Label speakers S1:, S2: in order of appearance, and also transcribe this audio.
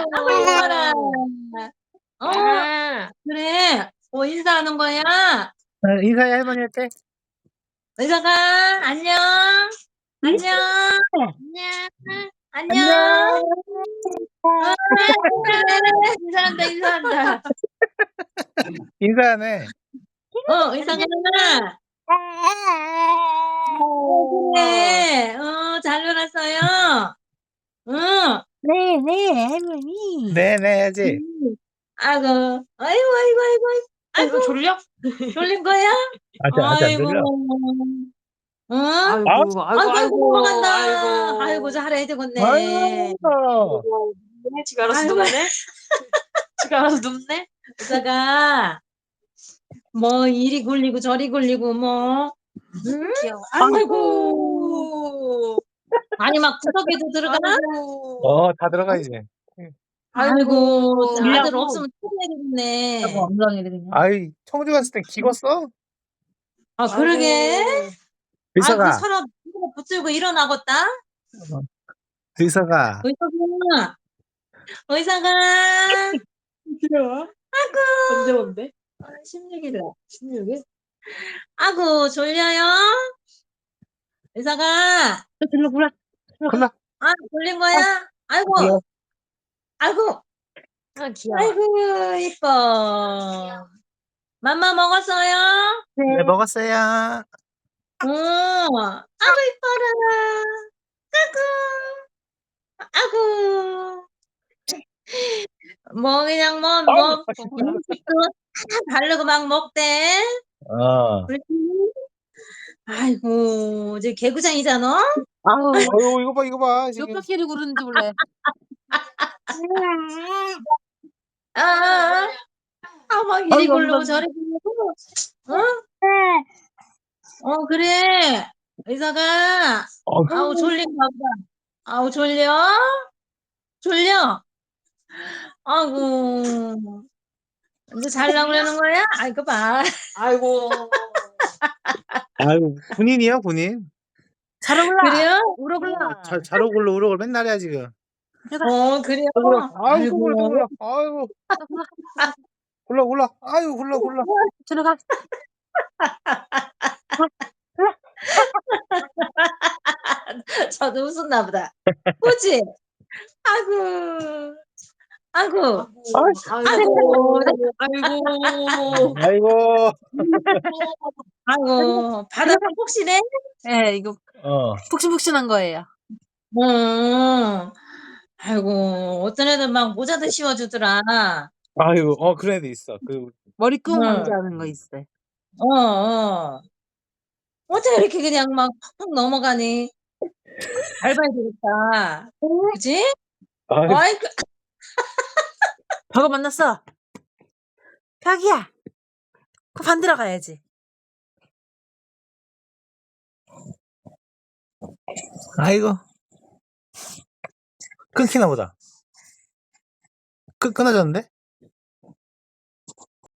S1: 아이고, 이뻐라. 어,
S2: 아,
S1: 그래. 인사하는 거야?
S3: 인사해, 할머니한테.
S1: 의사가, 안녕. 안녕.
S2: 안녕.
S1: 안녕. 그래. 인사한다, 인사한다.
S3: 인사하네.
S1: 의사가. 그래. 잘 놀았어요. 응.
S2: 네, 네, 할머니.
S3: 네네, 해야지.
S1: 아이고, 아이고, 아이고, 아이고, 아이고.
S2: 졸려?
S1: 졸린 거야?
S3: 아직 안
S1: 아이고.
S3: 들려.
S1: 응?
S2: 아이고,
S1: 아이고, 아이고, 넘어간다.
S2: 아이고.
S1: 아이고, 잘해야 되겠네.
S3: 아이고.
S2: 지가 알아서
S1: 아이고.
S2: 눕네? 지가 알아서 눕네?
S1: 의사가, 이리 굴리고 저리 굴리고, 응?
S2: 귀여워.
S1: 아이고. 아니, 막 구석에도 들어가?
S2: 아이고.
S3: 다 들어가, 이제.
S1: 아이고,
S2: 들려고.
S1: 아들 없으면 찾아야 되겠네.
S2: 엉덩이를 그냥.
S3: 아이, 청주 갔을 땐 기었어?
S1: 그러게. 그
S3: 의사가,
S1: 사람 붙들고 일어나겠다?
S3: 의사가.
S1: 의사가.
S2: 귀여워.
S1: 아이고.
S2: 언제 온대?
S1: 16일이라.
S2: 16일?
S1: 아이고, 졸려요? 의사가.
S2: 들러 불러.
S3: 콜라.
S1: 졸린 거야? 아이고,
S3: 귀여워.
S1: 아이고,
S2: 귀여워.
S1: 아이고, 이뻐. 맘마 먹었어요?
S3: 네, 먹었어요.
S1: 아이고, 이뻐라. 아이고. 그냥 음식도 다 바르고 막 먹대.
S3: 어.
S1: 그렇지? 아이고, 이제 개구장이잖아?
S2: 아우,
S3: 아유, 이거 봐,
S2: 몇
S3: 지금.
S2: 바퀴를 구르는지 몰래.
S1: 막 이리
S2: 아이고,
S1: 굴르고
S2: 엉덩이.
S1: 저리 굴르고. 그래. 의사가, 졸린가 보다. 졸려? 졸려? 아이고, 이제 잘라고 그러는 거야? 아이고, 봐.
S2: 아이고.
S3: 아유, 군인이야, 군인.
S2: 잘 올라.
S1: 그래요?
S2: 울어 불러.
S3: 잘 오글러, 우럭을 맨날 해야, 지금.
S1: 그래요?
S3: 또 굴러. 아유, 또
S1: 아이고.
S3: 굴러. 아유. 굴러. 아유, 굴러.
S2: 들어가.
S1: 저도 웃었나 보다. 그치? 아이고. 아이고. 아이고.
S3: 아이고.
S1: 아이고. 바닥 혹시네?
S2: 네, 이거 푹신푹신한 거예요.
S1: 아이고. 어떤 애들 막 모자도 씌워주더라.
S3: 아유, 그런 애도 있어.
S2: 머리 꾹
S1: 응.
S2: 만지하는 거 있어요.
S1: 어떻게 이렇게 그냥 막 팍팍 넘어가니? 밟아야 되겠다. 그치?
S3: 아유,
S1: 아이고.
S2: 벽을 만났어. 벽이야. 그 반대로 가야지.
S3: 아이고. 끊기나 보다. 끊어졌는데?